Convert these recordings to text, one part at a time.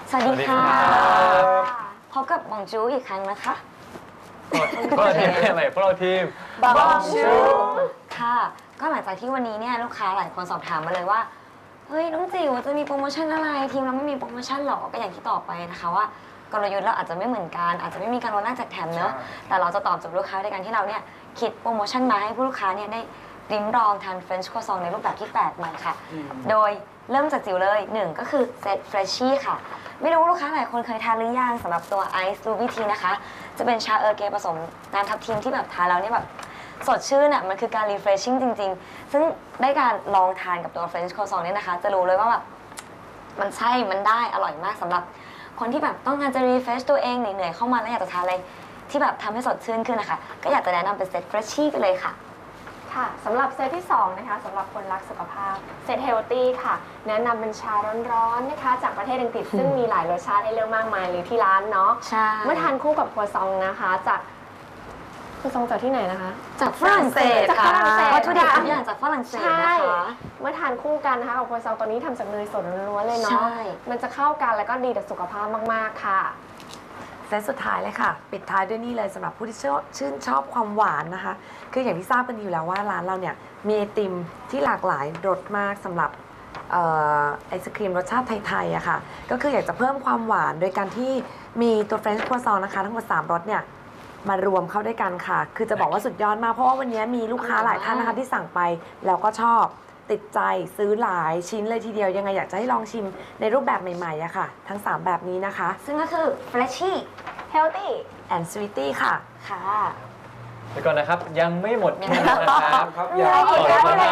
สวัสดีค่ะพบกับบองจูอีกครั้งนะคะพวกเราทีมอะไรพวกเราทีมบองจูค่ะก็หลังจากที่วันนี้เนี่ยลูกค้าหลายคนสอบถามมาเลยว่าเฮ้ยน้องจิ๋วจะมีโปรโมชั่นอะไรทีมเราไม่มีโปรโมชั่นหรอก็อย่างที่ตอบไปนะคะว่ากลยุทธ์เราอาจจะไม่เหมือนกันอาจจะไม่มีการลดแลกแจกแถมเนอะแต่เราจะตอบโจทย์ลูกค้าในการที่เราเนี่ยคิดโปรโมชั่นมาให้ผู้ลูกค้าเนี่ยได้ลิ้มลองทานเฟรนช์ครัวซองในรูปแบบที่แปลกใหม่ค่ะโดยเริ่มจากจิ๋วเลย1ก็คือเซตเฟรชชี่ค่ะไม่รู้ลูกค้าหลายคนเคยทานหรือยังสำหรับตัวไอซ์รูบี้ทีนะคะจะเป็นชาเออร์เกผสมน้ำทับทิมที่แบบทานแล้วเนี่ยแบบสดชื่นอ่ะมันคือการรีเฟรชชิ่งจริงๆซึ่งได้การลองทานกับตัวเฟรนช์ครัวซองเนี่ยนะคะจะรู้เลยว่าแบบมันใช่มันได้อร่อยมากสำหรับคนที่แบบต้องการจะรีเฟรชตัวเองเหนื่อยๆเข้ามาแล้วอยากจะทานอะไรที่แบบทำให้สดชื่นขึ้นนะคะก็อยากจะแนะนำเป็นเซตเฟรชชี่ไปเลยค่ะค่ะสำหรับเซตที่2นะคะสำหรับคนรักสุขภาพเซตเฮลตี้ค่ะแนะนำเป็นชาร้อนๆนะคะจากประเทศอังกฤษซึ่งมีหลายรสชาติให้เลือกมากมายเลยที่ร้านเนาะใช่เมื่อทานคู่กับครัวซองนะคะจากครัวซองจากที่ไหนนะคะจากฝรั่งเศสค่ะวัตถุดิบทุกอย่างจากฝรั่งเศสนะคะเมื่อทานคู่กันนะคะกับครัวซองตัวนี้ทำจากเนยสดล้วนๆเลยเนาะมันจะเข้ากันแล้วก็ดีต่อสุขภาพมากๆค่ะเซตสุดท้ายเลยค่ะปิดท้ายด้วยนี่เลยสำหรับผู้ที่ชื่นชอบความหวานนะคะคืออย่างที่ทราบกันอยู่แล้วว่าร้านเราเนี่ยมีไอติมที่หลากหลายรสมากสำหรับไอศครีมรสชาติไทยๆอะค่ะก็คืออยากจะเพิ่มความหวานโดยการที่มีตัวเฟรนช์ครัวซองนะคะทั้งหมด3รสเนี่ยมารวมเข้าด้วยกันค่ะคือจะบอกว่าสุดยอดมากเพราะว่าวันนี้มีลูกค้าหลายท่านนะคะที่สั่งไปแล้วก็ชอบติดใจซื้อหลายชิ้นเลยทีเดียวยังไงอยากจะให้ลองชิมในรูปแบบใหม่ๆอะค่ะทั้ง3แบบนี้นะคะซึ่งก็คือ Freshy Healthy and Sweetie ค่ะค่ะเดี๋ยวก่อนนะครับยังไม่หมดแค่นั้นนะครับยังโอเคไหน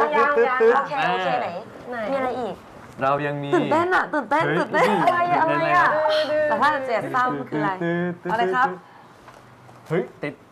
มีอะไรอีกเรายังมีตื่นเต้นอะตื่นเต้นอะไรอะแต่ถ้าเจ็บเศร้าคืออะไรอะไรครับเฮ้ยติด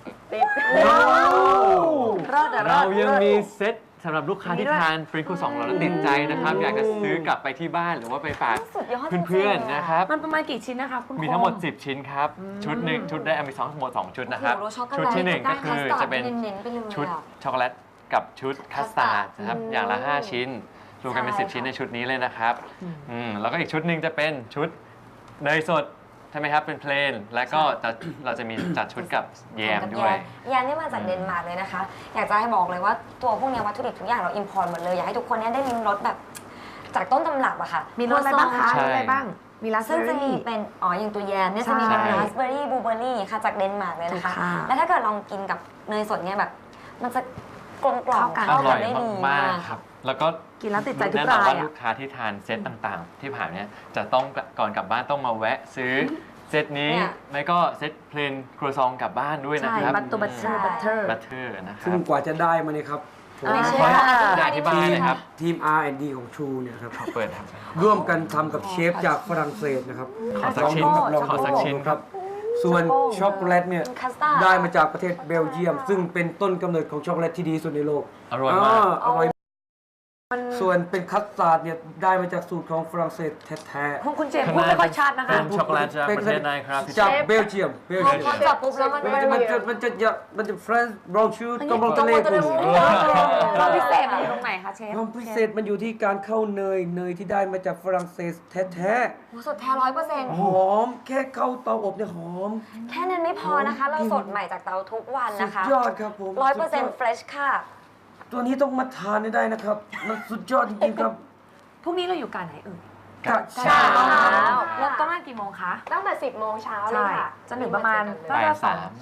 เรายังมีเซตสำหรับลูกค้าที่ทานฟรีคู2เราแล้วติดใจนะครับอยากจะซื้อกลับไปที่บ้านหรือว่าไปฝากเพื่อนๆนะครับมันประมาณกี่ชิ้นนะคะคุณมีทั้งหมด10ชิ้นครับชุดหนึ่งชุดได้มีทั้งหมด2ชุดนะครับชุดที่1ก็คือจะเป็นชุดช็อกโกแลตกับชุดคัสตาร์ดนะครับอย่างละ5ชิ้นรวมกันเป็น10ชิ้นในชุดนี้เลยนะครับแล้วก็อีกชุดหนึ่งจะเป็นชุดเนยสดใช่ไหมครับเป็นเพลนแล้วก็เราจะมีจัดชุดกับแยมด้วยแยมนี่มาจากเดนมาร์กเลยนะคะอยากจะให้บอกเลยว่าตัวพวกนี้วัตถุดิบทุกอย่างเราอิมพอร์ตหมดเลยอยากให้ทุกคนได้ลิ้มรสแบบจากต้นตำรับอะค่ะมีรสอะไรบ้างคะมีอะไรบ้างมีราสเบอรี่ซึ่งจะมีเป็นอย่างตัวแยมเนี่ยจะมีเป็นราสเบอรี่บลูเบอรี่ค่ะจากเดนมาร์กเลยนะคะแล้วถ้าเกิดลองกินกับเนยสดเนี่ยแบบมันจะกลมกล่อมเข้ากันได้ดีมากครับแล้วก็กินแล้วติดใจทุกรายแน่นอนว่าลูกค้าที่ทานเซตต่างๆที่ผ่านเนี่ยจะต้องก่อนกลับบ้านต้องมาแวะซื้อเซตนี้ไม่ก็เซตเพลนครัวซองกลับบ้านด้วยนะครับบัตตัวบัตเตอร์นะครับซึ่งกว่าจะได้มาเนี่ยครับได้ที่บ้านเลยครับทีม R&D ของ True เนี่ยครับเปิดครับร่วมกันทำกับเชฟจากฝรั่งเศสนะครับขอสักชิ้นครับส่วนช็อกโกแลตเนี่ยได้มาจากประเทศเบลเยียมซึ่งเป็นต้นกำเนิดของช็อกโกแลตที่ดีสุดในโลกอร่อยมากอร่อยส่วนเป็นคัสตาร์ดเนี่ยได้มาจากสูตรของฝรั่งเศสแท้ๆคุณเจมส์พูดไม่ค่อยชัดนะคะเป็นช็อกโกแลตจากประเทศไหนครับจากเบลเยียมพอจับปุ๊บแล้วมันจะเฟรนช์บราวน์ชูกับรองทะเลคุณความพิเศษมันอยู่ตรงไหนคะเชฟความพิเศษมันอยู่ที่การเข้าเนยที่ได้มาจากฝรั่งเศสแท้ๆสดแท้100% หอมแค่เข้าเตาอบเนี่ยหอมแค่นั้นไม่พอนะคะเราสดใหม่จากเตาทุกวันนะคะสุดยอดครับผม 100% fresh ค่ะตัวนี้ต้องมาทานได้นะครับมันสุดยอดจริงๆครับพรุ่งนี้เราอยู่การไหนกะเช้าแล้วต้องมากี่โมงคะตั้งแต่10 โมงเช้าเลยค่ะจนถึงประมาณบ่าย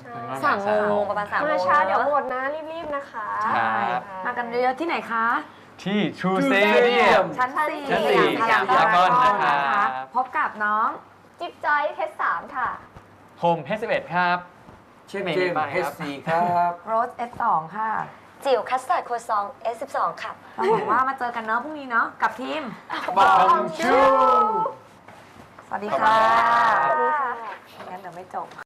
3 โมงประมาณ3 โมงมาช้าเดี๋ยวหมดนะรีบๆนะคะมากันเยอะที่ไหนคะที่ True Stadium ชั้น 4พารากอนนะครับพบกับน้องจิ๊บจอยเทส3ค่ะโฮมH11ครับเชฟเจมส์ H4 ครับโรส F2 ค่ะจิ๋วคัสตาร์ดครัวซอง S12 ค่ะเราบอกว่ามาเจอกันเนาะพรุ่งนี้เนาะกับทีมบองชูสวัสดีค่ะสวัสดีค่ะงั้นเดี๋ยวไม่จบ